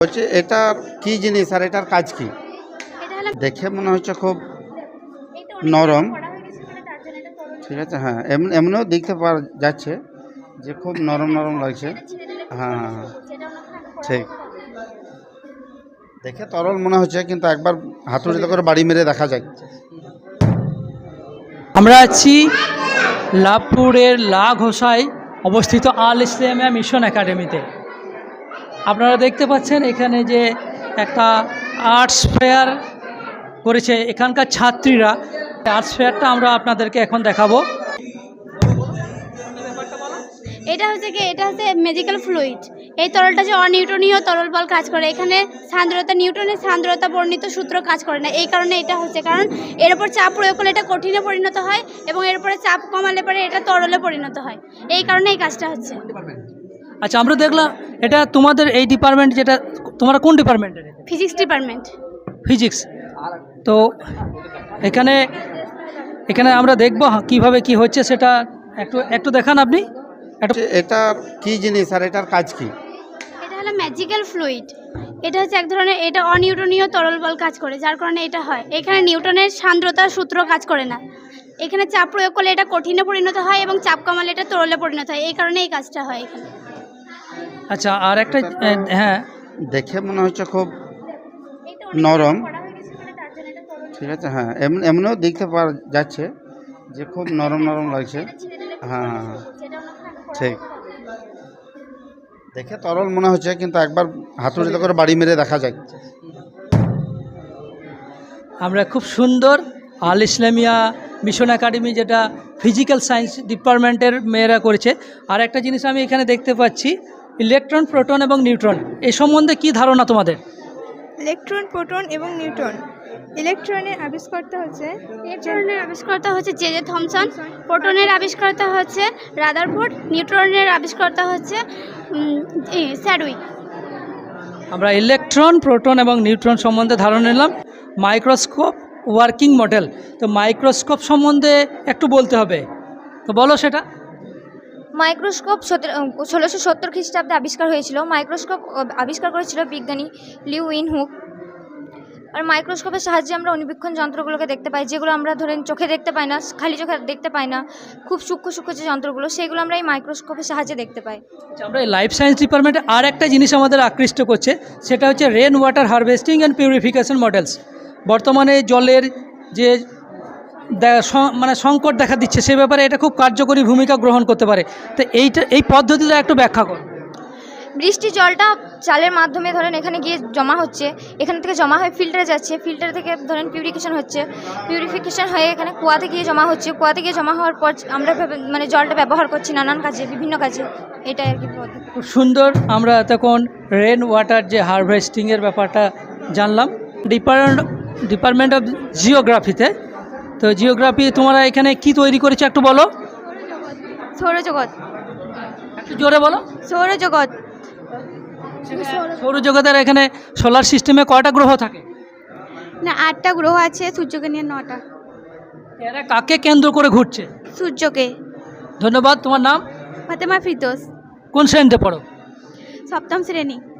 বলছি এটার কি জিনিস আর এটার কাজ কি? এটা হলো দেখে মনে হচ্ছে খুব এটা নরম। করা হয়ে গেছে বলে তার জন্য এটা তরল ঠিক আছে, হ্যাঁ, এমনিও দেখতে পাওয়া যাচ্ছে যে খুব নরম নরম লাগছে। এটা ছেড়ে দিলে হ্যাঁ হ্যাঁ হ্যাঁ, যেটা আমরা করা ঠিক। হবে। দেখে তরল মনে হচ্ছে, কিন্তু একবার হাতুড়িতে করে বাড়ি মেরে দেখা যায়। আমরা আছি লাভপুরের লা ঘোষায় অবস্থিত আল ইসলামিয়া মিশন একাডেমিতে। আপনারা দেখতে পাচ্ছেন এখানে যে একটা আর্টস ফেয়ার করেছে এখানকার ছাত্রীরা। আর্টস ফেয়ারটা আমরা আপনাদেরকে এখন দেখাবো। এটা হচ্ছে ম্যাজিক্যাল ফ্লুইড। এই তরলটা যে অনিউটনীয় তরল বল কাজ করে, এখানে সান্দ্রতা নিউটনের সান্দ্রতা বর্ণিত সূত্র কাজ করে না। এই কারণে এটা হচ্ছে, কারণ এর উপর চাপ প্রয়োগ করলে এটা কঠিনে পরিণত হয় এবং এর উপরে চাপ কমালে পরে এটা তরলে পরিণত হয়। এই কারণে এই কাজটা হচ্ছে। আচ্ছা, আমরা দেখলাম এটা তোমাদের এই ডিপার্টমেন্ট, যেটা তোমরা কোন ডিপার্টমেন্টের? Physics department. ফিজিক্স। তো এখানে এখানে আমরা দেখব কিভাবে কি হচ্ছে সেটা একটু একটু দেখান আপনি একটু। এটার কি জিনিস আর এটার কাজ কি? এটা হলো ম্যাজিক্যাল ফ্লুইড। এটা হচ্ছে এক ধরনের, এটা অনিউটনীয় তরল বল কাজ করে, যার কারণে এটা হয়। এখানে নিউটনের সান্দ্রতার সূত্র কাজ করে না। এখানে চাপ প্রয়োগ করলে এটা কঠিনে পরিণত হয় এবং চাপ কমালে এটা তরলে পরিণত হয়। এই কারণে এই কাজটা হয় এখানে। আচ্ছা, আর একটা হ্যাঁ, দেখে মনে হচ্ছে খুব এটা নরম। করা হয়ে গেছে বলে তার জন্য এটা তরল। ঠিক আছে, হ্যাঁ, এমনিও দেখতে পাওয়া যাচ্ছে যে খুব নরম নরম লাগছে। এটা ছেড়ে দিলে হ্যাঁ হ্যাঁ হ্যাঁ, যেটা আমরা করা ঠিক। হবে। দেখে তরল মনে হচ্ছে, কিন্তু একবার হাতুড়িতে করে বাড়ি মেরে দেখা যায়। আমরা খুব সুন্দর আল ইসলামিয়া মিশন একাডেমি, যেটা ফিজিক্যাল সায়েন্স ডিপার্টমেন্টের মেয়েরা করেছে। আর একটা জিনিস আমি এখানে দেখতে পাচ্ছি, ইলেকট্রন, প্রোটন এবং নিউট্রন, এই সম্বন্ধে কি ধারণা তোমাদের? ইলেকট্রন, প্রোটন এবং নিউট্রন। ইলেকট্রনের আবিষ্কর্তা হচ্ছে ইলেকট্রনের আবিষ্কর্তা হচ্ছে জে জে থমসন। প্রোটনের আবিষ্কর্তা হচ্ছে রাদারফোর্ড। নিউট্রনের আবিষ্কর্তা হচ্ছে স্যাডউইক। আমরা ইলেকট্রন, প্রোটন এবং নিউট্রন সম্বন্ধে ধারণা নিলাম। মাইক্রোস্কোপ ওয়ার্কিং মডেল, তো মাইক্রোস্কোপ সম্বন্ধে একটু বলতে হবে, তো বলো সেটা। মাইক্রোস্কোপ 1670 খ্রিস্টাব্দে আবিষ্কার হয়েছিল। মাইক্রোস্কোপ আবিষ্কার করেছিল বিজ্ঞানী লিউ উইনহুক। আর মাইক্রোস্কোপের সাহায্যে আমরা অনুবীক্ষণ যন্ত্রগুলোকে দেখতে পাই, যেগুলো আমরা ধরেন চোখে দেখতে পাই না, খালি চোখে দেখতে পাই না। খুব সূক্ষ্ম সূক্ষ্ম যে যন্ত্রগুলো, সেগুলো আমরা এই মাইক্রোস্কোপের সাহায্যে দেখতে পাই। আচ্ছা, আমরা এই লাইফ সায়েন্স ডিপার্টমেন্টে আর একটা জিনিস আমাদের আকৃষ্ট করছে, সেটা হচ্ছে rain water harvesting and purification models. বর্তমানে জলের যে মানে সংকট দেখা দিচ্ছে, সে ব্যাপারে এটা খুব কার্যকরী ভূমিকা গ্রহণ করতে পারে। তো এই পদ্ধতিটা একটু ব্যাখ্যা করো। বৃষ্টির জলটা চালের মাধ্যমে ধরেন এখানে গিয়ে জমা হচ্ছে, এখান থেকে জমা হয়ে ফিল্টারে যাচ্ছে, ফিল্টার থেকে ধরেন পিউরিফিকেশন হচ্ছে, পিউরিফিকেশন হয়ে এখানে কুয়াতে গিয়ে জমা হচ্ছে, কুয়াতে গিয়ে জমা হওয়ার পর আমরা মানে জলটা ব্যবহার করছি নানান কাজে, বিভিন্ন কাজে। এটাই আর কি পদ্ধতি। খুব সুন্দর। আমরা তখন রেন ওয়াটার যে হারভেস্টিংয়ের ব্যাপারটা জানলাম ডিপার্টমেন্ট অফ জিওগ্রাফিতে। তো জিওগ্রাফি তোমরা এখানে কি তৈরি করেছো একটু বলো। সৌরজগৎ। একটু জোরে বলো। সৌরজগৎ। সৌরজগতের এখানে সোলার সিস্টেমে কয়টা গ্রহ থাকে? না, 8টা গ্রহ আছে, সূর্যকে নিয়ে 9টা। এরা কাকে কেন্দ্র করে ঘুরছে? সূর্যকে। ধন্যবাদ। তোমার নাম? ফাতেমা ফিরদৌস। কোন শ্রেণীতে পড়ো? 7ম শ্রেণী।